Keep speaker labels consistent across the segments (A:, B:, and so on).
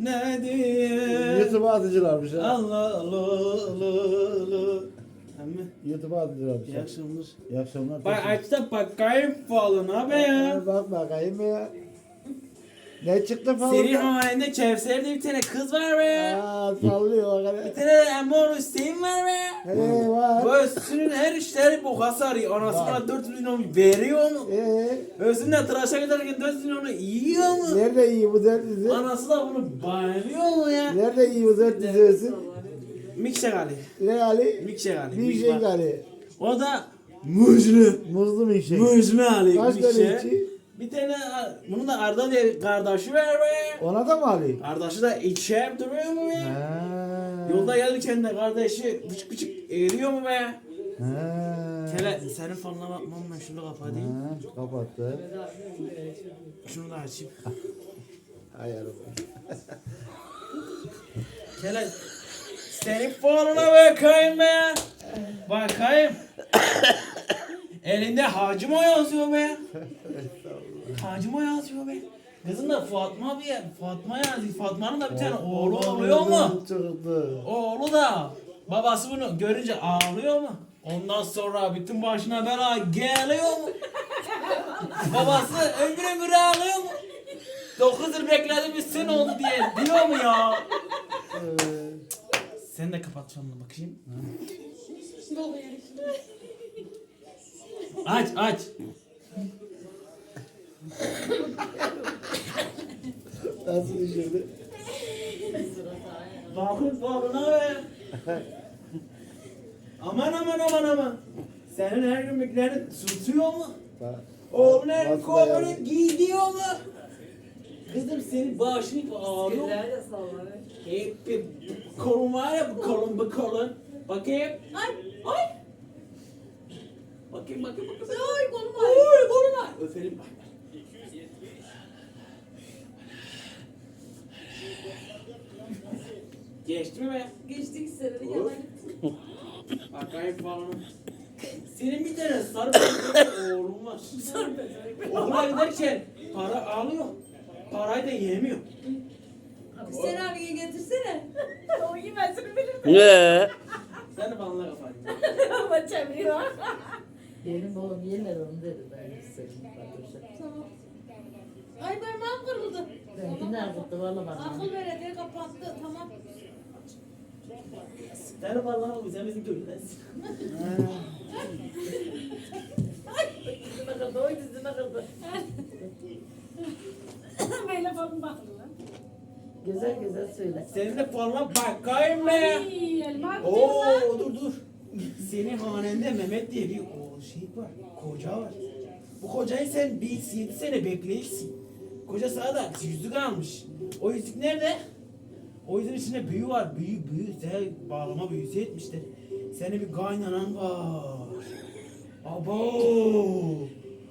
A: ne diyeyim?
B: YouTube'a atıcılarmış ha.
A: Allah Allah Allah. Ama
B: YouTube'a atıcılarmış.
A: iyi akşamlar.
B: İyi akşamlar.
A: Bak aç da bakayım falan abi ya.
B: Bak bakayım ya. Ne çıktı falan?
A: Seri halinde Kevser diye bir tane kız var be ya.
B: Aa, sallıyor o
A: Bir
B: kadar.
A: tane Amor Hüseyin var be ya.
B: He var.
A: Bu üstünün her işleri boka sarıyor. Anası
B: Var.
A: bana 400 milyon veriyor mu?
B: Ee,
A: Özünde tıraşa giderken 400 milyonu yiyor mu?
B: nerede iyi bu dört dizi?
A: Anası da bunu bayılıyor mu ya?
B: Nerede iyi bu dört dizisi?
A: Mikşek Ali.
B: Ne Ali?
A: Mikşek Ali.
B: Bir şey Ali.
A: O da muzlu.
B: Muzlu bir şey.
A: Muzlu Ali.
B: Kaç tane
A: Mikşek.
B: içi?
A: Bir tane bunun da Arda diye kardeşi var be.
B: Ona da mı Ali?
A: Kardeşi de içer duruyor mu be?
B: Ha.
A: Yolda gelirken de kardeşi küçük küçük eriyor mu be?
B: Ha.
A: Hele senin fanına bakmam ben şunu kapatayım.
B: Ha, kapattı.
A: Şunu da açayım.
B: Ayarım.
A: Hele senin fanına bakayım be. Bakayım. Elinde Hacımo yazıyor be. Hacımo yazıyor be. Kızın da Fatma bir Fatma yazıyor. Fatma'nın da bir tane oğlu oluyor mu?
B: Çıktı.
A: Oğlu da babası bunu görünce ağlıyor mu? Ondan sonra bütün başına bela geliyor mu? Babası ömür ömür ağlıyor mu? 9 yıl bekledim bir sene oldu diye diyor mu ya? Sen de kapat sonuna bakayım. Aç aç.
B: Nasıl düşürdü?
A: Bakın falına be. Aman aman aman aman. Senin her gün beklerin tutuyor mu?
B: Bak.
A: Oğlun her gün
B: Nasıl
A: kovunu
B: dayanıyor?
A: giyiyor mu? Kızım senin başını ağrıyor mu?
C: Nerede sallanıyor?
A: Hep bir kolun var ya bu kolun. Bakayım.
C: Ay, ay,
A: Bakayım.
C: ay kolum var.
A: Oy kolun var. Öpelim bak. Geçti mi be?
C: Geçtik seneni yana gittim.
A: Bakayım falan. Senin bir tane sarı bezeli oğlun var.
C: Sarı bezerek.
A: Okula giderken para alıyor. Parayı da yemiyor.
C: Sen abiye getirsene. O yemezini bilir mi?
D: Ne?
A: Sen de bana kafayı.
C: Ama çeviriyor.
E: Benim oğlum yerler onu dedi ben istedim.
C: Tamam. Ay parmağım kırıldı.
E: Ben günler kutlu valla bana.
C: Akıl belediye kapattı. Tamam.
A: Sen de bana kafayı. Sen bizim köydensin.
E: Dizine kırdı, oy dizine kırdı.
C: Böyle falan bakın lan.
E: Güzel güzel söyle.
A: Senin de falan bakayım be.
C: Ay elma
A: Oo dur. Senin hanende Mehmet diye bir o şey var. Koca var. Bu kocayı sen 7 sene bekleyirsin. Koca sana da yüzük almış. O yüzük nerede? O yüzüğün içinde büyü var. Büyü. Sen bağlama büyüsü etmişler. Senin bir kaynanan var. Abo.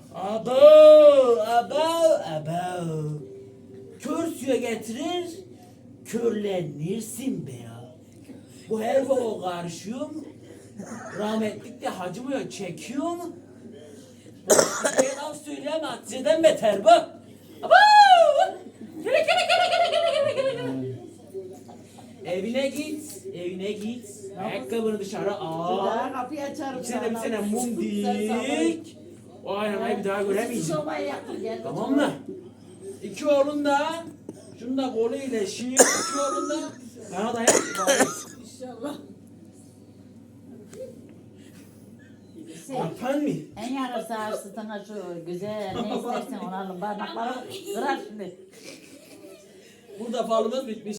A: Kör suya getirir, körlenirsin be ya. Bu her baba karışıyor mu? Rahmetlik de hacımıyor, çekiyor mu? Bu bir laf söyleyemem, Hatice'den beter bu. Abo! Gele. Evine git. Ayakkabını dışarı al.
E: Daha kapıyı açarım.
A: İçine de bir tane mum dik. O aynayı bir daha göremeyeceğim.
E: Sobayı yaktım gel.
A: Tamam mı? İki oğlun da şunu da kolu iyileşiyor. İki oğlun da bana da yap.
C: İnşallah.
A: Yapan mı?
E: En yarısı ağrısı sana şu güzel ne istersen onu alın. Parmakları kırar şimdi.
A: Burada falımız bitmiş.